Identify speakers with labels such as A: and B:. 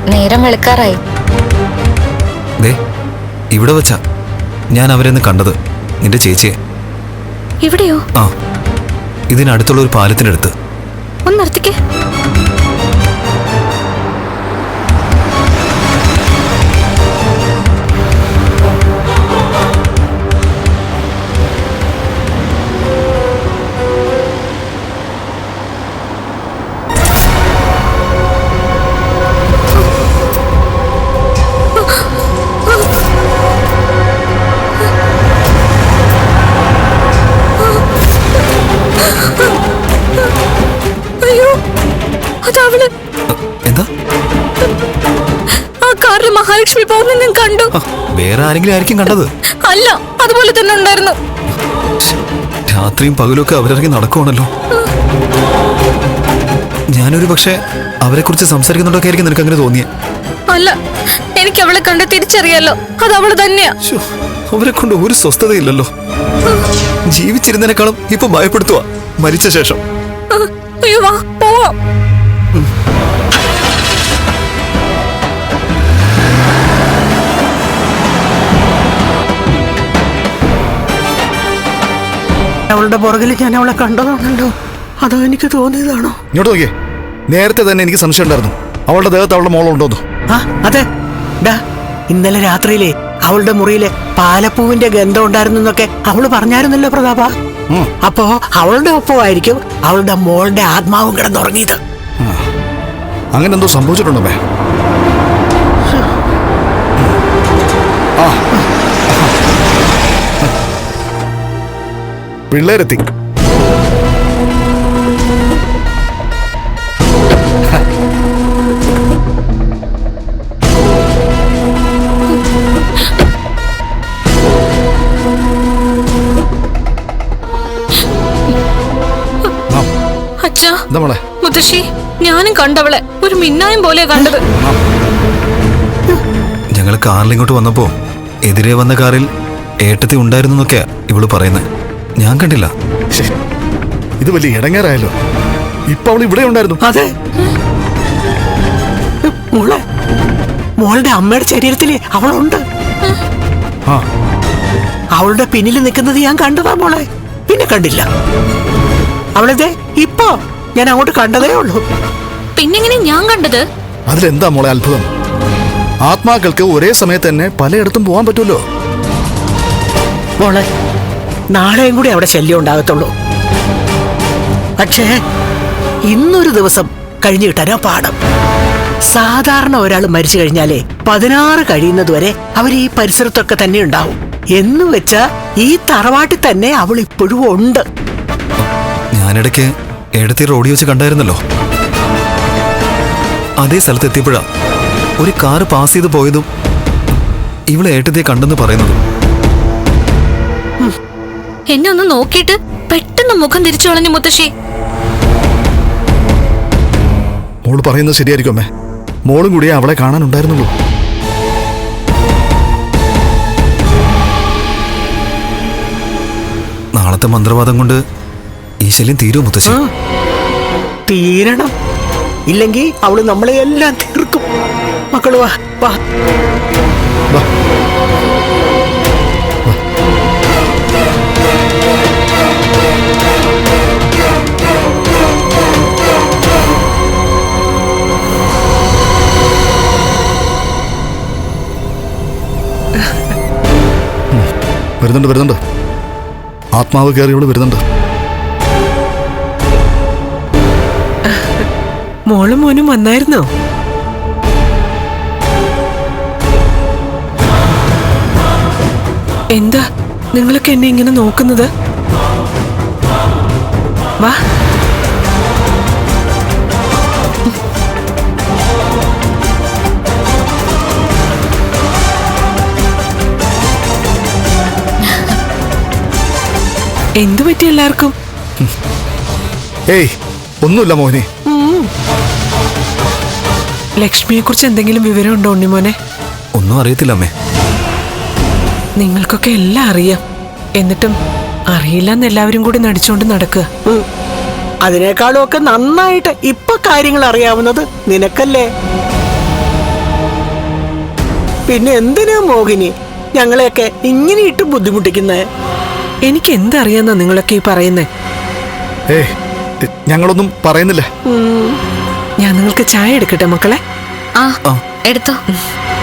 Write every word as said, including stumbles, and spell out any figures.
A: നേരം വെളുക്കാറായി.
B: ഇവിടെ വെച്ചാ ഞാൻ അവരെന്ന് കണ്ടത്, നിന്റെ ചേച്ചിയെ.
A: ഇവിടെയോ?
B: ആ, ഇതിനടുത്തുള്ള ഒരു പാലത്തിനടുത്ത്.
A: ഒന്ന് നിർത്തിക്കേ. മഹാലക്ഷ്മി പോകുന്ന ഞാൻ കണ്ടു.
B: വേറെ ആരെങ്കിലും ആയിരിക്കും കണ്ടത്?
A: അല്ല, അതുപോലെ തന്നെ ഉണ്ടായിരുന്നു.
B: രാത്രിയും പകലൊക്കെ അവരിറങ്ങി നടക്കുവാണല്ലോ. ഞാനൊരു പക്ഷേ അവരെ കുറിച്ച് സംസാരിക്കുന്നുണ്ടൊക്കെ ആയിരിക്കും നിനക്ക് അങ്ങനെ തോന്നിയേ?
A: അല്ല, എനിക്ക് അവളെ കണ്ട് തിരിച്ചറിയാലോ, അത് അവള് തന്നെയാ.
B: അവരെ കൊണ്ട് ഒരു സ്വസ്ഥതയില്ലല്ലോ. ജീവിച്ചിരുന്നതിനേക്കാളും ഇപ്പൊ ഭയപ്പെടുത്തുക മരിച്ച ശേഷം.
A: അയ്യോ, വാ പോവാം.
C: അവളുടെ പുറകിൽ ഞാൻ അവളെ കണ്ടതാണല്ലോ, അതോ എനിക്ക് തോന്നിയതാണോ?
B: ഇങ്ങോട്ട് നോക്കിയേ, നേരത്തെ തന്നെ എനിക്ക് സംശയം ഉണ്ടായിരുന്നു അവളുടെ ദേഹത്ത് അവളുടെ മോളുണ്ടോന്നു.
C: ആ അതെ, ഇന്നലെ രാത്രിയിലെ അവളുടെ മുറിയിലെ പാലപ്പൂവിന്റെ ഗന്ധം ഉണ്ടായിരുന്നു എന്നൊക്കെ അവള് പറഞ്ഞായിരുന്നല്ലോ പ്രതാപ. അപ്പോ അവളുടെ ഒപ്പമായിരിക്കും അവളുടെ മോളുടെ ആത്മാവും കിടന്നുറങ്ങിയത്.
B: അങ്ങനെ എന്തോ സംഭവിച്ചിട്ടുണ്ടോ? പിള്ളേരെത്തി.
A: അച്ഛാ, മുത്തശ്ശി, ഞാനും കണ്ടവളെ ഒരു മിന്നായം പോലെ കണ്ടത്.
B: ഞങ്ങൾ കാറിൽ ഇങ്ങോട്ട് വന്നപ്പോ എതിരെ വന്ന കാറിൽ ഏട്ടത്തി ഉണ്ടായിരുന്നു എന്നൊക്കെയാ ഇവള് പറയുന്നത്. ഞാൻ കണ്ടില്ല. ഇത് വലിയ ഇടങ്ങേറായല്ലോ. ഇപ്പൊ അവൾ ഇവിടെ ഉണ്ടായിരുന്നു.
C: അതെ, മോളെ മോളുടെ അമ്മയുടെ ശരീരത്തില് അവളുണ്ട്. അവളുടെ പിന്നിൽ നിൽക്കുന്നത് ഞാൻ കണ്ടതാ മോളെ, പിന്നെ കണ്ടില്ല. അവളതെ ഇപ്പൊ ഞാൻ അങ്ങോട്ട് കണ്ടതേ ഉള്ളൂ.
A: പിന്നെങ്ങനെ ഞാൻ കണ്ടത്?
B: അതിലെന്താ മോളെ അത്ഭുതം? ആത്മാക്കൾക്ക് ഒരേ സമയത്ത് തന്നെ പലയിടത്തും പോകാൻ പറ്റുമല്ലോ.
C: മോളെ, നാളെയും കൂടി അവിടെ ശല്യം ഉണ്ടാകത്തുള്ളൂ. പക്ഷേ ഇന്നൊരു ദിവസം കഴിഞ്ഞു കിട്ടാനോ പാഠം. സാധാരണ ഒരാൾ മരിച്ചു കഴിഞ്ഞാലേ പതിനാറ് കഴിയുന്നതുവരെ അവർ ഈ പരിസരത്തൊക്കെ തന്നെ ഉണ്ടാവും. എന്ന് വെച്ചാ ഈ തറവാട്ടിൽ തന്നെ അവൾ ഇപ്പോഴും ഉണ്ട്.
B: ഞാനിടയ്ക്ക് ഏടത്തി റോഡിൽ വെച്ച് കണ്ടായിരുന്നല്ലോ. അതേ സ്ഥലത്ത് എത്തിയപ്പോഴാ ഒരു കാറ് പാസ് ചെയ്ത് പോയതും ഇവളെ ഏട്ടത്തിയെ കണ്ടെന്ന് പറയുന്നതും.
A: എന്നെ ഒന്ന് നോക്കിയിട്ട് പെട്ടെന്ന് മുഖം തിരിച്ചു കളഞ്ഞു മുത്തശ്ശി.
B: മോള് പറയുന്നത് ശരിയായിരിക്കും അമ്മേ. മോളും കൂടി അവളെ കാണാനുണ്ടായിരുന്നുള്ളൂ. നാളത്തെ മന്ത്രവാദം കൊണ്ട് ഈ ശല്യം തീരുമോ മുത്തശ്ശി?
C: തീരണം. ഇല്ലെങ്കിൽ അവള് നമ്മളെ എല്ലാം തീർക്കും. മക്കള് വാ വാ.
B: വരുന്നുണ്ട് വരുന്നുണ്ട് ആത്മാവ് കയറിയോള് വരുന്നുണ്ട്.
C: മോളും മോനും വന്നായിരുന്നോ? എന്താ നിങ്ങളൊക്കെ എന്നെ ഇങ്ങനെ നോക്കുന്നത്? വാ. എന്തു പറ്റി എല്ലാവർക്കും?
B: ഏയ് ഒന്നുമില്ല മോനെ.
C: ലക്ഷ്മിയെ കുറിച്ച് എന്തെങ്കിലും വിവരമുണ്ടോ ഉണ്ണിമോനെ?
B: ഒന്നും അറിയത്തില്ല അമ്മേ.
C: നിങ്ങൾക്കൊക്കെ എല്ലാം അറിയാം, എന്നിട്ടും അറിയില്ലെന്ന് എല്ലാവരും കൂടി നടിച്ചോണ്ട് നടക്കുക. അതിനേക്കാളും ഒക്കെ നന്നായിട്ട് ഇപ്പൊ കാര്യങ്ങൾ അറിയാവുന്നത് നിനക്കല്ലേ? പിന്നെ എന്തിനാ മോഹിനി ഞങ്ങളെയൊക്കെ ഇങ്ങനെ ഇട്ട് ബുദ്ധിമുട്ടിക്കുന്നേ?
D: എനിക്ക് എന്തറിയാന്നാ നിങ്ങളൊക്കെ ഈ പറയുന്നേ?
B: ഏ ഞങ്ങളൊന്നും പറയുന്നില്ല.
D: ഞാൻ നിങ്ങൾക്ക് ചായ എടുക്കട്ടെ മക്കളെ?
A: ആ എടുത്തോ.